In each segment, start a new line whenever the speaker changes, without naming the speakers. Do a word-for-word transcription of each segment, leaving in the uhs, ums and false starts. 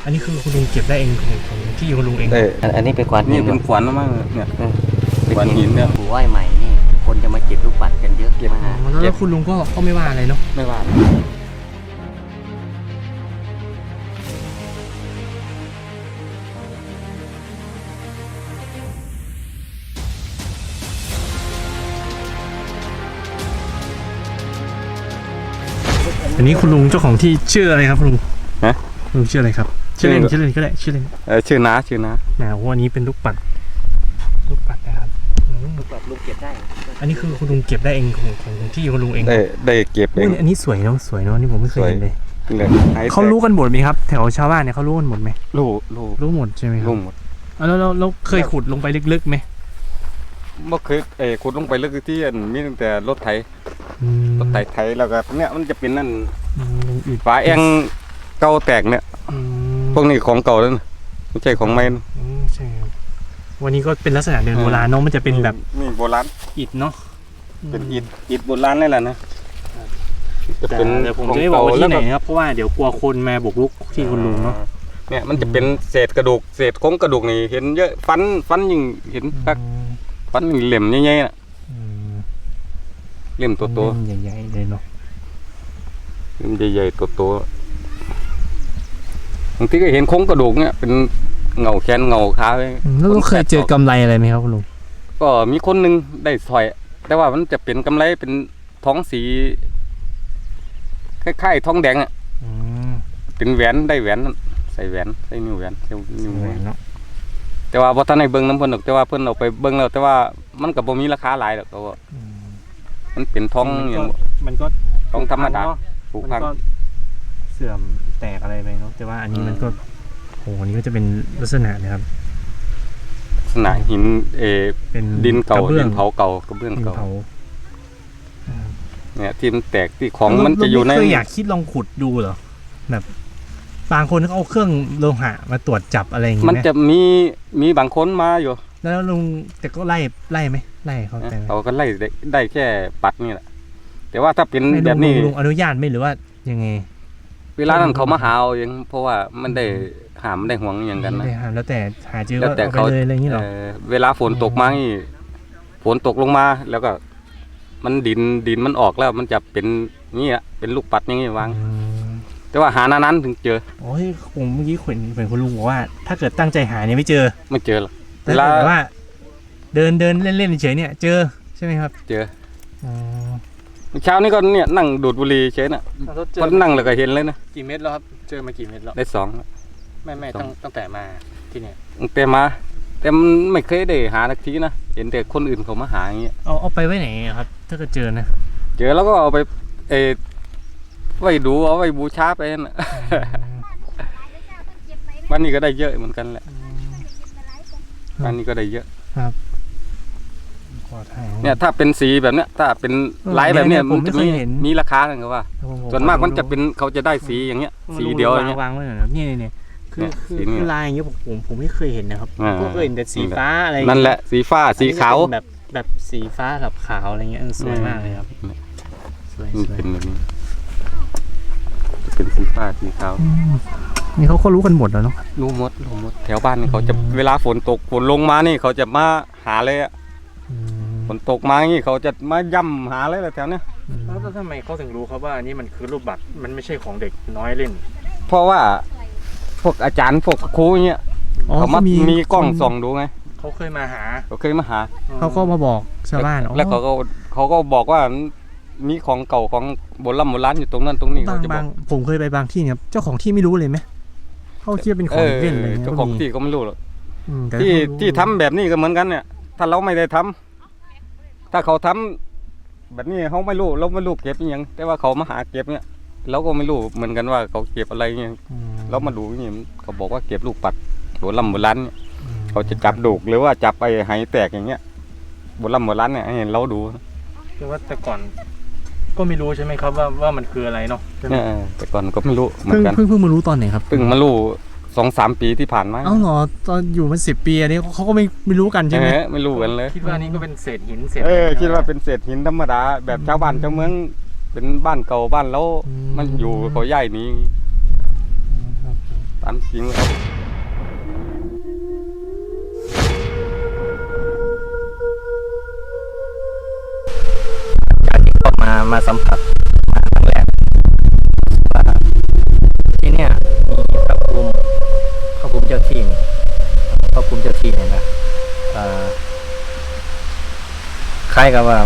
อันนี้คือคุณลุงเก็บได้เองของของที่คุณลุงเอง
ได้
อันนี้เป็นขวานหิ
นี่
น
เป็นขวานมากเนี่ย
เป็น
ขวานหินเนี่ย
หูไหว้ใหม่นี่คนจะมาเก็บลูกปัดกันเยอะมาหา
อ๋อแล้วคุณลุงก็ก็ไม่ว่าอะไรเนาะ
ไม่ว่า
อันนี้คุณลุงเจ้าของที่ชื่ออะไรครับคุณลุง
ฮะ
คุณลุงชื่ออะไรครับชื่อเล่นชื่อเล่นก็ได้ชื่อเล่น
เออชื่อน้าชื่อน้า
นะวันนี้เป็นลูกปัดลูกปัดนะครับอืม
ลูกปัดลุงเก็บได้
อันนี้คือคุณลุงเก็บได้เองของของของที่คุณลุงเอง
ได้ได้เก็บเอ
อุ้ย
ง
อันนี้สวยเนาะสวยเนาะนี่ผมไม่เคยเห็นเลย
เลยหย
เขารู้กันหมดไหมครับแถวชาวบ้านเนี่ยเขารู้กันหมดไหม
รู้รู้
รู้หมดใช่ไหมครับ
รู้หมด
อ่ะแล้วเราเราเคยขุดลงไปลึกๆไหม
เมื่อคืนเออขุดลงไปลึกที่อันมีตั้งแต่รถไถ
อืม
รถไถไถแล้วก็เนี่ยมันจะเป็นนั่น
อืมอืด
ฝาแองเก่าแตกเนี่ย
อืม
พวกนี้ของเก่าแล้วนะไม่ใช่ของใหม่นะ
อืมใช่ครับวันนี้ก็เป็นลักษณะเดินโบราณเนาะมันจะเป็นแบบ
นี่โบราณ
อิฐเนาะ
เป็นอิฐอิฐโบราณนี่แหละนะจะ
แต่
เป็น
เดี๋ยวผมจะไม่บอกว่าที่ไหนนะครับเพราะว่าเดี๋ยวกลัวคนมาบุกรุกที่คุณลุงเนาะ
เนี่ยมันจะเป็นเศษกระดูกเศษโครงกระดูกนี่เห็นเยอะฟันฟันยิ่งเห็นคักฟันยิ่งเหลี่ยมใหญ่ๆน่ะ
อืม
เหลี่ยมตัวโต
เล่มใหญ่ๆเลยเนาะ
เหลี่ยมใหญ่ๆตัวโตบางทีก็เห็นโครงกระดูกเนี่ยเป็นเงาแขนเงาขาไว้
อืมแล้วเราเคยเจอกำไรอะไรไหมครับคุณลุง
ก็มีคนหนึงได้สร้อย แต่ว่ามันจะเป็นกำไรเป็นท้องสีคล้ายๆทองแดงอ่ะ
อืม
เป็นแหวนได้แหวนนั่นใส่แหวนใส่นิ้วแหวนใส่นิ้ว
ส
แห
ว
วย น
เนาะ
แต่ว่าบ่ทันได้เบิ่งน้ำเพิ่นดอกแต่ว่าเพิ่นเอาไปเบิ่งแล้วแต่ว่ามันก็บ่มีราคาหลายดอกก็ว่า
อืม
มันเป็นทองอย่าง
มันก็
ทองธรรมดา
เนาะ
ผู
มั
ก
น
พัง
ก็เสื่อมแตกอะไรไปเนาะแต่ว่าอันนี้มันก็โหอันนี้ก็จะเป็นลักษณะนะครับ
ลักษณะหินเออ
เป็น
ดินเก่าก
ระเบื้
ดิ
อง
นเผาเก่ากระเบื้อง
ดิน
เก่า
เผา
เนี่ยที่มันแตกที่ของมันจะอยู่ใน
เราไม่เคยอยากคิดลองขุดดูเหรอแบบบางคนเขาเอาเครื่องโลหะมาตรวจจับอะไรอย่าง
มัน
เงี้ย
จะมีมีบางคนมาอยู่
แล้วลุงแต่ก็ไล่ไล่ไหมไล่เขาแต่ไหม
เขาก็ไล่ได้ได้แค่ปัดนี่แหละแต่ว่าถ้าเป็น
ไม่
แบ
ลุ
บ
ง
นี้
ลุงอนุญาตไหมหรือว่ายังไง
เวลานั้นเขามาหาเอาเองเพราะว่ามันได้หามได้ห่วงอย่างกันนะ
ไม่ได้ห้ามแล้วแต่หาเจอ
แล้ว
ก็
แต่
เอาไป
เขา
เลยอะไรอย่างนี้หรอ
เอ่อเวลาฝนตกมานี่ฝนตกลงมาแล้วก็ มันดินดินมันออกแล้ว มันจะเป็นนี่อะเป็นลูกปัดอย่างนี้วาง
อืม
แต่ว่าหานานๆถึงเจอ
โอ้ยผมเมื่อกี้เห็นเห็นคุณลุงบอกว่า ถ้าเกิดตั้งใจหาเนี่ยไม่เจอ
ไม่เจอหรอก
แต่
เวลา
แต่ว่า เดินเดินเล่นเล่นเฉยๆเนี่ย เจอใช่ไหมครับ
เจอ
อ๋อ
เช้านี้ก็เนี่ยนั่งดูดบุหรี่เฉยน่ะพอนั่งแล้วก็เห็นเลยนะ
กี่เม็ดแล้วครับเจอมากี่เม็ดแล้ว
ได้สอง
ไม่ไม่ตั้งตั้งแต่มาที่เนี่ย
แต่มา แต่มันไม่เคยได้หาสักทีนะเห็นแต่คนอื่นเขามาหาอย่างเงี้ย
เอาเอาไปไว้ไหนอะครับ ถ้าเกิดเจอนะ
เจอแล้วก็เอาไปเออไว้ดูเอาไว้บูชาไปน่ะ บ้านนี้ก็ได้เยอะเหมือนกันแหละบ้านนี้ก็ได้เยอะ
ขอถ่าย
เนี่ยถ้าเป็นสีแบบเนี้ยถ้าเป็นลายแบบเนี้ยมันจะมีมีราคากันก็ว่า ส่วนมากมันจะเป็นเขาจะได้สีอย่างเงี้ยสีเดียวอย่างเงี้ยว
างไว้หน่อยนะนี่นี่นี่คือ
เนี่ย
คือ
สีนี่
คือลายอย่างเงี้ยผมผมผมไม่เคยเห็นนะครับ
อ่า
ก็เคยเห็นแต่สีฟ้าอะไร
นั่นแหละสีฟ้าสีขาว
อันนี้จะเป็นแบบแบบสีฟ้ากับขาวอะไรเงี้ยเออสวยมากเลยครับสวย
นี่
สวย
เป็นแบบนี้จะเป็นสีฟ้าสีขาว
อืมนี่เขาก็รู้กันหมดแล้วเนาะ
รู้หมดรู้หมดแถวบ้านนี่เขาจะเวลาฝนตกฝนลงมานี่เขาจะมาหาเลยอะ
อืม
ฝนตกมาอย่างงี้เขาจะมาย่ำหาเลยแหละแถวเนี้ย
แล้วทำไมเขาถึงรู้ครับว่าอันนี้มันคือรูปบัตรมันไม่ใช่ของเด็กน้อยเล่น
เพราะว่าพวกอาจารย์พวกครูอย่างเงี้ยเขามามีกล้องส่องดูไง
เขาเคยมาหา
เขาเคยมาหา
เขาก็มาบอกชาวบ้าน
แล้วเขาก็เขาก็บอกว่ามีของเก่าของโบราณโบราณอยู่ตรงนั้นตรงนี้
บา
เขา
ง
จะบ
บา
อก
งผมเคยไปบางที่เนี่ยครับเจ้าของที่ไม่รู้เลยไหมเขาคิดว่าเป็นของเล่นอะไรเงี้ย
เจ้าของที่ก็ไม่รู้หรอก
อืมแต่
ที่
เขารู้
ที่ทำแบบนี้ก็เหมือนกันเนี่ย ถ้าเราไม่ได้ทำถ้าเขาทำแบบนี้เขาไม่รู้เราไม่รู้เก็บอหยังแต่ว่าเขามาหาเก็บเนี่ยเราก็ไม่รู้เหมือนกันว่าเขาเก็บอะไรเงี้ย
อืม
เรามาดูนี่เขาบอกว่าเก็บลูกปัดโบราณโบราณเนี่ย
อืม
เขาจะจับดูกหรือว่าจับไอ้ไหแตกอย่างเงี้ยโบราณโบราณเนี่ยให้เราดู
คือว่าแต่ก่อนก็ไม่รู้ใช่ไหมครับว่าว่ามันคืออะไรเนาะใช่ไหม
เออแต่ก่อนก็ไม่รู้เหมือ
เพิ่ง
นกัน
เพิ่งเพิ่งมารู้ตอนไหนครับ
เพิ่งมารู้สองสามปีที่ผ่านมา
เอ้าเหรอตอนอยู่มันสิบปีอันนี้เขาก็ไม่ไม่รู้กันใช่ไหม
เออไม่รู้กันเลย
คิดว่านี่ก็เป็นเศษหินเศษ
เออคิดว่าเป็นเศษหินธรรมดาแบบชาวบ้านชาวเมืองเป็นบ้านเก่าบ้านแล้วมันอยู่เขาใหญ่นี้
ต
ตามจริงแล้ว
จากที่เข้ามามาสัมผัสมาครั้งแรกว่าที่เนี่ยมีพระภูมิพระภูมิเจ้าที่นี่พระภูมิเจ้าที่เนี่ยนะเอ่อคล้ายกับว่า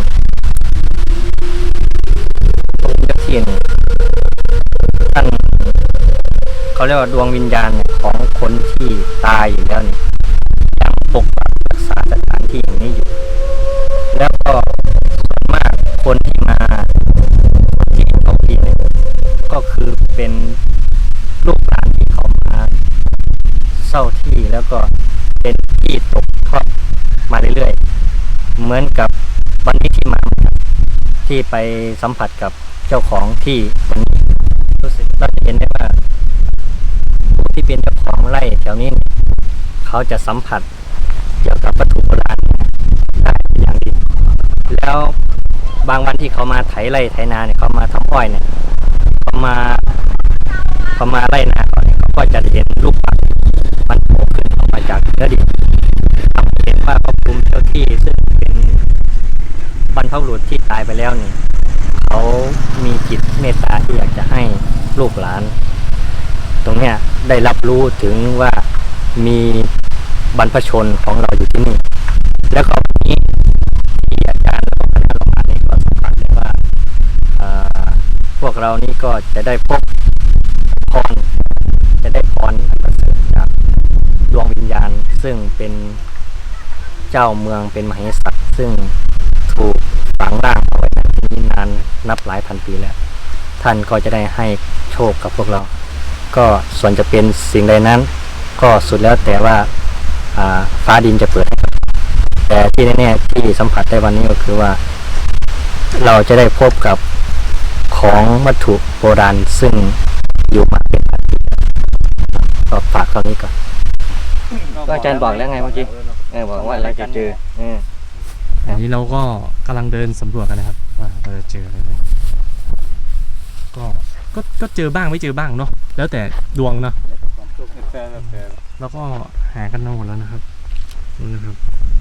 พระภูมิเจ้าที่นี่ท่านเขาเรียกว่าดวงวิญญาณเนี่ยของคนที่ตายอยู่แล้วนี่ยังปกปักรักษาสถานที่แห่งนี้อยู่แล้วก็ส่วนมากคนที่มาที่เขาที่เนี่ยก็คือเป็นลูกหลานที่เขามาเศร้าที่แล้วก็เป็นที่ตกทอดมาเรื่อยๆเหมือนกับวันนี้ที่มาที่ไปสัมผัสกับเจ้าของที่วันนี้รู้สึกเราจะเห็นได้ว่าผู้ที่เป็นเจ้าของไร่แถวนี้เขาจะสัมผัสเกี่ยวกับวัตถุโบราณได้อย่างดีแล้วบางวันที่เขามาไถไร่ไถนาเนี่ยเขามาทำอ้อยเนี่ยเขามาเขามาไร่นาเขาเนี่ยเขาก็จะเห็นลูกปัดมันโผล่ขึ้นออกมาจากเนื้อดินทำให้เห็นว่าพระภูมิเจ้าที่ซึ่งเป็นบรรพบุรุษที่ตายไปแล้วเนี่ยเขามีจิตเมตตาที่อยากจะให้ลูกหลาน ตรงเนี้ยได้รับรู้ถึงว่ามีบรรพชนของเราอยู่ที่นี่แล้วก็วันนี้ที่อาจารย์และคณะเรามาเนี่ยก็สัมผัสเลยว่าพวกเรานี่ก็จะได้พบพรจะได้พรอันประเสริฐจากดวงวิญญาณซึ่งเป็นเจ้าเมืองเป็นมเหสักซึ่งถูกฝังร่างเอาไว้ในที่นี้นานนับหลายพันปีแล้วท่านก็จะได้ให้โชคกับพวกเราก็ส่วนจะเป็นสิ่งใดนั้นก็สุดแล้วแต่ว่าฟ้าดินจะเปิดให้แต่ที่แน่ๆที่สัมผัสได้วันนี้ก็คือว่าเราจะได้พบกับของวัตถุโบราณซึ่งอยู่มาเป็นพันปีก็ฝากเท่านี้ก่อนก็อาจารย์บอกแล้วไงเมื่อกี้เออบอกว่าเราจะเจอเออ
อันนี้เราก็กำลังเดินสำรวจกันนะครับว่าเราจะเจออะไรไหมก็ก็ก็เจอบ้างไม่เจอบ้างเนาะแล้วแต่ดวงเนาะแล้วก็หากันมาหมดแล้วนะครับนี่นะครับ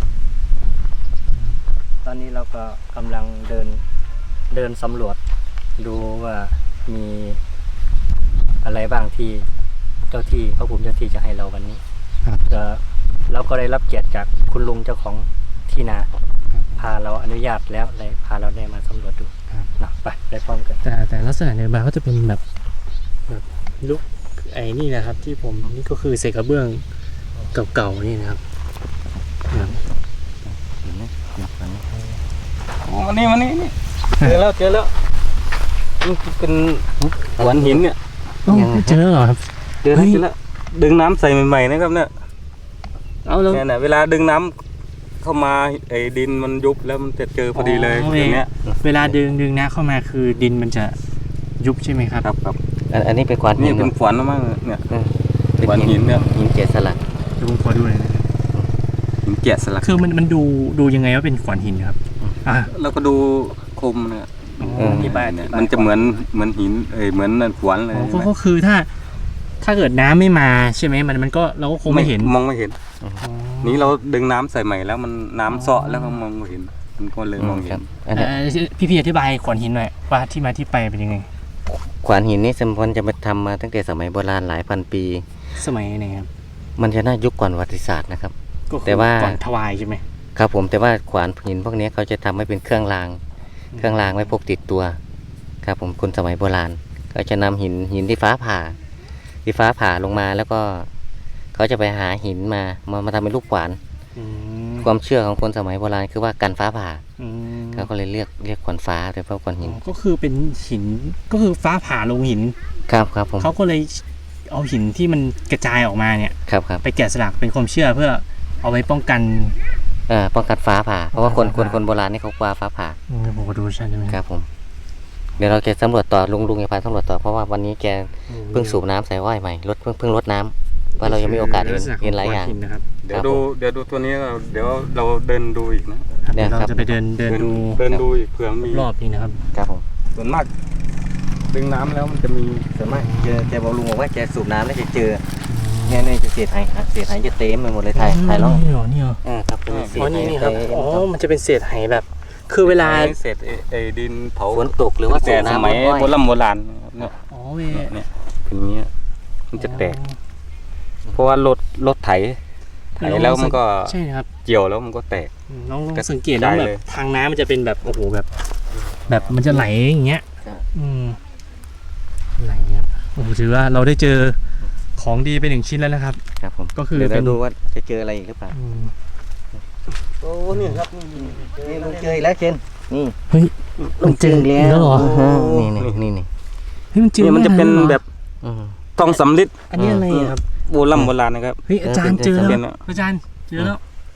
ตอนนี้เราก็กำลังเดินเดินสำรวจดูว่ามีอะไรบ้างที่เจ้าที่พระภูมิเจ้าที่จะให้เราวันนี้ก็เราก็ได้รับเกียรติจากคุณลุงเจ้าของที่นาพาเราอนุญาตแล้วเลยพาเราได้มาสำรวจดูนะไปได้พร้อมกัน
แต่แต่ลักษณะในบ้านก็จะเป็นแบบแบบลุกไอ้นี่นะครับที่ผมนี่ก็คือเศษกระเบื้องเก่าๆนี่นะครับ
เห็นไหม
โอ้มานี่มานี่นี่เจอแล้วเจอแล้วมันเป็นขวานหินเนี่ย
เจอเหรอครับ
เจอแล้วเจอแล้วดึงน้ำใส่ใหม่ๆนะครับเนี่ย
เอาแล้ว
เนี่ยนะเวลาดึงน้ำเข้ามาไอ้ดินมันยุบแล้วมันจะเจอพอดีเลยอย่างเงี้ย
เวลาดึงดึงน้ำเข้ามาคือดินมันจะยุบใช่ไหมครับ
ครับครับ
อันนี้เป็นขวานหิน
นี่เป็นขวานมากเนี่ยขวานหินเนี่ย
หินแกะสลัก
ดูขอดูเลยนะ
หินแกะสลัก
คือมันมันดูดูยังไงว่าเป็นขวานหินครับอ่า
แล้วก็ดูคมเนี่ยที่บ้านเนี่ยมันจะเหมือนเหมือนหินเอ้ยเหมือนขวานเลย
ก็คือถ้าถ้าเกิดน้ำไม่มาใช่ไหมมันมันก็เราก็คงไม่เห็น
มองไม่เห็นนี้เราดึงน้ำใส่ใหม่แล้วมันน้ำเซาะแล้วก็มองไม่เห็นมันก็เลยมองเห็น
พี่พี่อธิบายขวานหินหน่อยว่าที่มาที่ไปเป็นยังไง
ขวานหินนี่สมควรจะมาทำมาตั้งแต่สมัยโบราณหลายพันปี
สมัยไหนครับ
มันจะน่ายุคก่อนประวัติศาสตร์นะครับ
แต่ว่าก่อนถวายใช่ไหม
ครับผมแต่ว่าขวานหินพวกนี้เขาจะทำให้เป็นเครื่องรางเครื่องรางไว้พกติดตัวครับผมคนสมัยโบราณเขาจะนำหินหินที่ฟ้าผ่าที่ฟ้าผ่าลงมาแล้วก็เขาจะไปหาหินมามามาทำเป็นลูกขวานความเชื่อของคนสมัยโบราณคือว่ากันฟ้าผ่าเขาก็เลยเรียกเรียกขวานฟ้าโดยเพราะขวานหิน
ก็คือเป็นหินก็คือฟ้าผ่าลงหิน
ครับครับผม
เขาก็เลยเอาหินที่มันกระจายออกมาเนี่ย
ครับครับ
ไปแกะสลักเป็นความเชื่อเพื่อเอาไว้ป้องกัน
เอ่อป้องกันฟ้าผ่าเพราะว่าคนคนคนโบราณนี่เขากลัวฟ้าผ่า
ผมก็ดูใช่ไหม
ครับผมเดี๋ยวเราจะสำรวจต่อลุงลุงจะพาสำรวจต่อเพราะว่าวันนี้แกเพิ่งสูบน้ำใส่อ้อยใหม่รถเพิ่งเพิ่งรดน้ำว่าเรายังมีโอกาสเห็นเห็นหลายอย่าง
เดี๋ยวดูเดี๋ยวดูตัวนี้เดี๋ยวเราเดินดูอีกนะ
เดี๋ยวเราจะไปเดินเดินดู
เดินดูอีกเผื่อมี
รอบนี้นะครับ
ครับผม
ส่วนมากดึงน้ำแล้วมันจะมี
ส่วนมากเจอแกบอกลุงบอกว่าแกสูบน้ำแล้วจะเจอเนี่ยเนี่ยจะเศษหายเศษหายจะเต็มไปหมดเลยถ่ายถ่ายลอง
นี่เหรอนี่เหรอ
อ่าครับเป็นเศษ
อ๋อ
หาย
นี่นี่ครับ
เต็ม
อ๋อมันจะเป็นเศษไหแบบ คือเวลา
เศษไอ้ไอ้ดินเผา
ฝนตกหรือว่าสู
แต่
บ
ส
น้ำ
มัย
บ่อย
โบราณโบราณเนี่ย
อ๋อเว
เนี่ยเนี่ยเป็นอย่างเงี้ยมันจะแตก เพราะว่ารถรถไถไถแล้วมันก็
ใช่ครับ
เกี่ยวแล้วมันก็แตก
น้องลอง
กระ
สังเกตนะ
จาย
แบ
เล
บ
ย
ทางน้ำมันจะเป็นแบบโอ้โหแบบ แบบมันจะไหลอย่างเงี้ย
ครับ
อืมไหลครับโอ้โหถือว่าเราได้เจอของดีไปหนึ่งชิ้นแล้วนะครับ
ครับผม
ก็คือ
เดี๋ยว
เป็น
เราดูว่าจะเจออะไรอีกหรือเปล่า
อืม
โอ้นี่ครับนี่
นี่ลุงเจออีกแล้วเชนนี่
เฮ้ยมันเจออีกแล้วเหรอ
นี่นี่นี่นี่
เฮ้ยมันเจอ
นี่มันจะเป็น
หรอ
แบบ
อืม
ทองสำริด
อันนี้อะไรอะครับ
โบราณโบราณนะครับ
เฮ้ยอาจารย์เจอ
เออ
แล้
เป็
วน
อะ
อาจารย์เจอแล้ว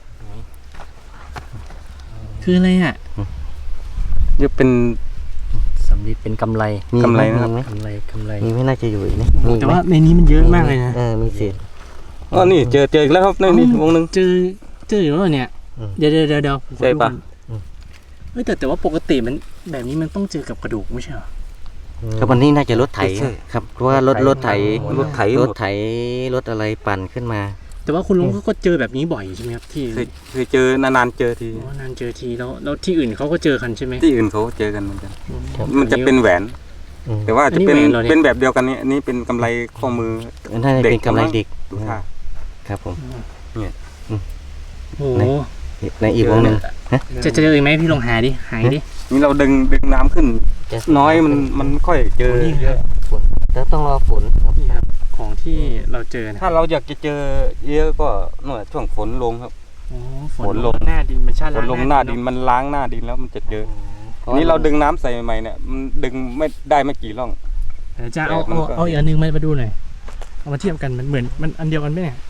คืออะไรอ่ะ
นี่เป็น
สำลิดเป็นกำไร
มี
กำไร
ห
นะครับ
มีหม
กำไรกำไร
มีไม่น่าจะอยู่อีกนี่มี
แต่
ไหม
ว่าในนี้มันเยอะมากเลยนะ
เออมีเศษ
อ๋อนี่เจอเจออีกแล้วครับนี่นี่วงหนึ่ง
เจอเจออยู่แล้วเหรอเนี่ย
อืม
เดี๋ยวเดี๋ยวเดี๋ยวเดี๋ยว
ใช่ปะ
อืม
เฮ้ยแต่แต่ว่าปกติมันแบบนี้มันต้องเจอกับกระดูกไม่ใช่เหรอ
ครับวันนี้น่าจะรถไถ
ใช่
ครับเพราะว่ารถรถไถ
รถไถ
รถไถรถอะไรปั่นขึ้นมา
แต่ว่าคุณลุงก็ก็เจอแบบนี้บ่อยใช่ไหมครับที่
เคยเคยเจอนานๆเจอที
อ๋อนานเจอทีแล้วแล้วที่อื่นเขาก็เจอกันใช่ไหม
ที่อื่นเขาเจอกันเหมือนกัน
อื
มันจะเป็นแหวน
อืม
แต่ว่าจะเป็น
อันนี้แหวนเหรอเนี่ย
เป็นแบบเดียวกันนี้อันนี้เป็นกำไรข้อมือ
น่าจะเป็นกำไรเด็ก
ดูท่า
ครับผม
โอ้โห
ในอีกวงหนึ่ง
จะเจออีกไหมพี่ลองหาดิหายดิ
นี่เราดึงดึงน้ำขึ้น น้อยมันมันค่อยเจอ
นี่
เย
ครั
อะ
บ
ฝนแล้วต้องรอฝนครับ
นี่ครับของที่เราเจอนะ
ถ้าเราอยากจะเจอเยอะก็หน่อยช่วงฝนลงครับ
โอ้
ฝนลง
หน้าดินมันชา
ฝนลงหน้าดินมันล้างหน้าดินแล้วมันจะเจออันนี้เราดึงน้ำใส่ใหม่ๆเนี่ยมันดึงไม่ได้ไม่กี่ร่อง
เดี๋ยวจะเอา
แต่มัน
เอา
ก็
เอาอีกอันหนึงมามาดูหน่อยเอามาเทียบกันมันเหมือนมันอันเดียวกันไหมเนี่ย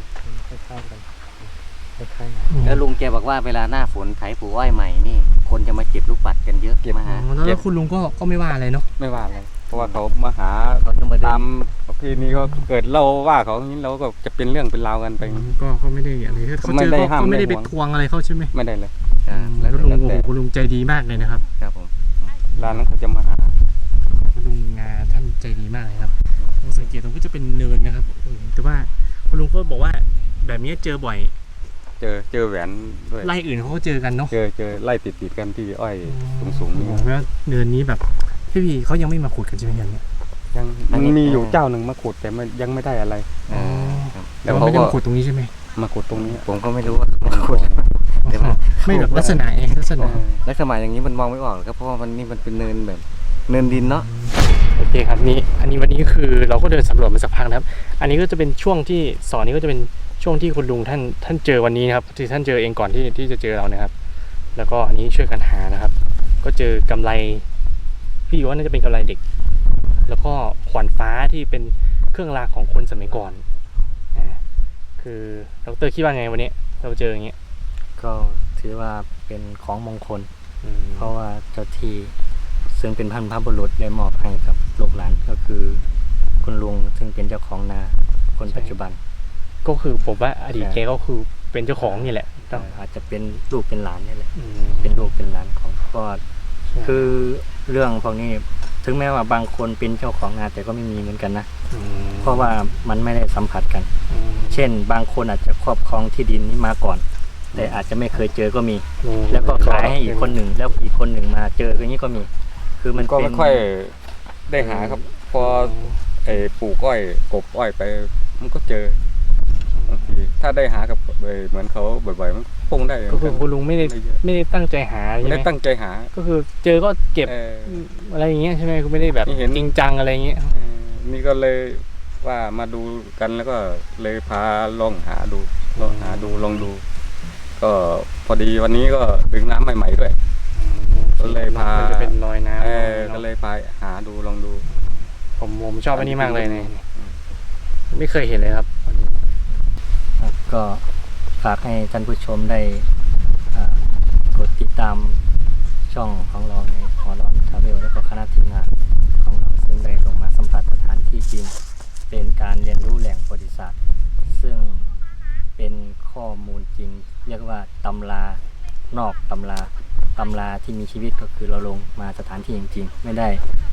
แล้วลุงแกบอกว่าเวลาหน้าฝนไถปลูกอ้อยใหม่นี่ คนจะมาเก็บลูกปัดกันเยอะมา
อ๋
หา
อแล้วแล้วคุณลุงก็ก็ไม่ว่าอะไรเนาะ
ไม่ว่าอะไรเพราะว่าเขามาหา
เขาจะมาเดิ
ตาน มประเพณีก็เกิดเราว่าเขาอย่างนี้เราก็จะเป็นเรื่องเป็นราวกันไป
ก็ก็ไม่ได้อะไรเขา
ไม่
เจอ
ได้
ก็
ห้าม
ก็ไม่ได้
ไม่
ไป
ได้ห่วง
ทวงอะไรเขาใช่ไหม
ไม่ได้เลย
อ่า
แล้
แล้ว ว
ลุง
แล้ว
โอ้
แต่
โหคุณลุงใจดีมากเลยนะครับ
ครับผม
ร้านนั้นเขาจะมาหา
คุณลุงงาท่านใจดีมากเลยครับลองสังเกตตรงก็จะเป็นเนินนะครับอืมแต่ว่าคุณลุงก็บอกว่าแบบนี้เจอบ่อย
เจอเจอแหวนด้วย
ไร่อื่นเขาก็เจอกันเนาะ
เจอเจอไล่ติดติดๆกันที่อ้อยสูงๆ
โอ้
นี่
โหแล้วเนินนี้แบบพี่พี่เขายังไม่มาขุดกันใช่ไหมครับเนี่ย
ยังมันมีอยู่เจ้าหนึ่งมาขุดแต่มันยังไม่ได้อะไร
อ่าครับ
แต่ว่าไม่ได้มาขุดตรงนี้ใช่ไหม
มาขุดตรงนี้
ผมก็ไม่รู้ว่าเขามาขุด เดี๋ยวนะ
ไม่แบบลักษณะไงลักษณะ
ลักษณะอย่างนี้มันมองไม่ออกหรอกครับเพราะว่ามันนี่มันเป็นเนินแบบเนินดินเนาะ
โอเคครับนี่อันนี้วันนี้คือเราก็เดินสำรวจมาสักพักนะครับ อันนี้ก็จะเป็นช่วงที่สอนนี้ก็จะเป็นช่วงที่คุณลุงท่านท่านเจอวันนี้นะครับที่ท่านเจอเองก่อนที่ที่จะเจอเรานะครับ แล้วก็อันนี้ช่วยกันหานะครับ ก็เจอกำไรพี่ว่าน่าจะเป็นกำไรเด็ก แล้วก็ขวานฟ้าที่เป็นเครื่องรางของคนสมัยก่อนอ่าคือดรคิดว่าไงวันนี้เราเจออย่างเงี้ย
ก็ถือว่าเป็นของมงคล
อืม
เพราะว่าเจ้าที่ซึ่งเป็นพันพบุรุษได้มอบให้กับลูกหลานก็คือคุณลุงซึ่งเป็นเจ้าของนาคนปัจจุบัน
ก็คือผมว่าอดีต
ใช่
แกก็คือเป็นเจ้าของนี่แหละต้อง
อาจจะเป็นลูกเป็นหลานนี่แหละ
อืม
เป็นลูกเป็นหลานของพ่อ
ใช่
คือเรื่องพวกนี้ถึงแม้ว่าบางคนเป็นเจ้าของนาแต่ก็ไม่มีเหมือนกันนะ
ม
เพราะว่ามันไม่ได้สัมผัสกัน
อืม
เช่น บางคนอาจจะครอบครองที่ดินนี้มาก่อน แต่อาจจะไม่เคยเจอก็มี แล้วก็ขายให้อีกคนหนึ่งแล้วอีกคนหนึ่งมาเจออย่างนี้ก็มี คือมัน
ก็
เป็
ไม่
น
ค่อยได้หาครับ พอไอ้ปลูกอ้อยกบอ้อยไปมันก็เจอบางทีถ้าได้หากับเอ่อเหมือนเขาบ่อยๆมันคงได้
ก็คือคุณลุงไม่ได้
ไม่เยอะ
ไม่ได้ตั้งใจหา
ไม่
ใช่ไห
ได้
ม
ตั้งใจหา
ก็คือเจอก็เก็บ
เออ
อะไรอย่างเงี้ยใช่ไหมคือไม่ได้แบบ
นี่เห็น
จริงจังอะไรอย่างเงี้ย
เออนี่ก็เลยว่ามาดูกันแล้วก็เลยพาลองหาดูลองหาดูลองดู ก็พอดีวันนี้ก็ดึงน้ำใหม่ๆด้วย ก็เลยพา
นจะเป็นรอยน้ำ
เออ
เนอะ
ก็เลยพาหาดูลองดู
ผมผมชอบอันนี้มากเลยเนี่ยไม่เคยเห็นเลยครับ
ครับก็ฝากให้ท่านผู้ชมได้อ่ากดติดตามช่องของเราในหอร้อนทราเวลและก็คณะทีมงานของเราซึ่งได้ลงมาสัมผัสสถานที่จริง เป็นการเรียนรู้แหล่งประวัติศาสตร์ ซึ่งเป็นข้อมูลจริง เรียกว่าตำรานอกตำราตำราที่มีชีวิตก็คือเราลงมาสถานที่จริงๆ ไม่ได้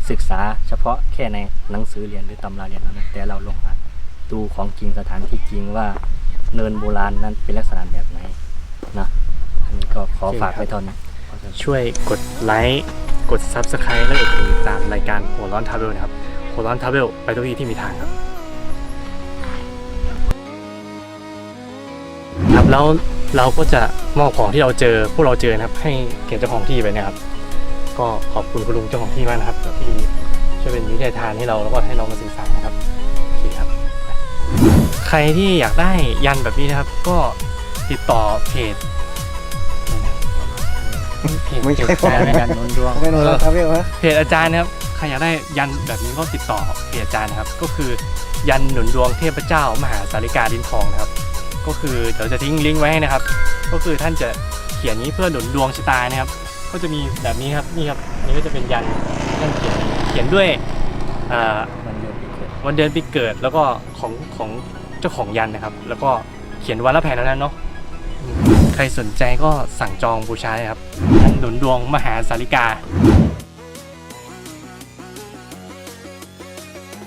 ศึกษาเฉพาะแค่ในหนังสือเรียนหรือตำราเรียนเท่านั้นแต่เราลงมาดูของจริงสถานที่จริงว่าเนินโบราณนั้นเป็นลักษณะแบบไหนนะอันนี้ก็ขอฝากไว้เท่านี้
ช่วยกดไลค์กด ซับสไครบ์ และกดติดตามรายการหัวร้อนทราเวลนะครับหัวร้อนทราเวลไปทุกที่ที่มีทางครับครับแล้วเราก็จะมอบของที่เราเจอพวกเราเจอนะครับให้เกียรติเจ้าของที่ไปนะครับก็ขอบคุณคุณลุงเจ้าของที่มากนะครับที่ช่วยเป็นวิทยาทานให้เราแล้วก็ให้เรามาศึกษานะครับโอเคครับใครที่อยากได้ยันแบบนี้นะครับก็ติดต่อเพจเพจ
ไม่ใช่
เพจอาจารย์
ยันหนุนดวง
ไม่โดนแล้วครับพี่วะ
เพจอาจารย์นะครับใครอยากได้ยันแบบนี้ก็ติดต่อเพจอาจารย์นะครับก็คือยันหนุนดวงเทพเจ้ามหาสาริกาลิ้นทองนะครับก็คือเดี๋ยวจะทิ้งลิงก์ไว้ให้นะครับก็คือท่านจะเขียนนี้เพื่อหนุนดวงชะตานะครับก็จะมีแบบนี้ครับนี่ครับอันนี้ก็จะเป็นยันท่านเขียนเขียนด้วยอ่า
วันเดือนปีเกิด
วันเดือนปีเกิดแล้วก็ของของเจ้าของยันนะครับแล้วก็เขียนวันละแผ่นนั้นเนาะใครสนใจก็สั่งจองบูชาเลยครับยันหนุนดวงมหาสาริกา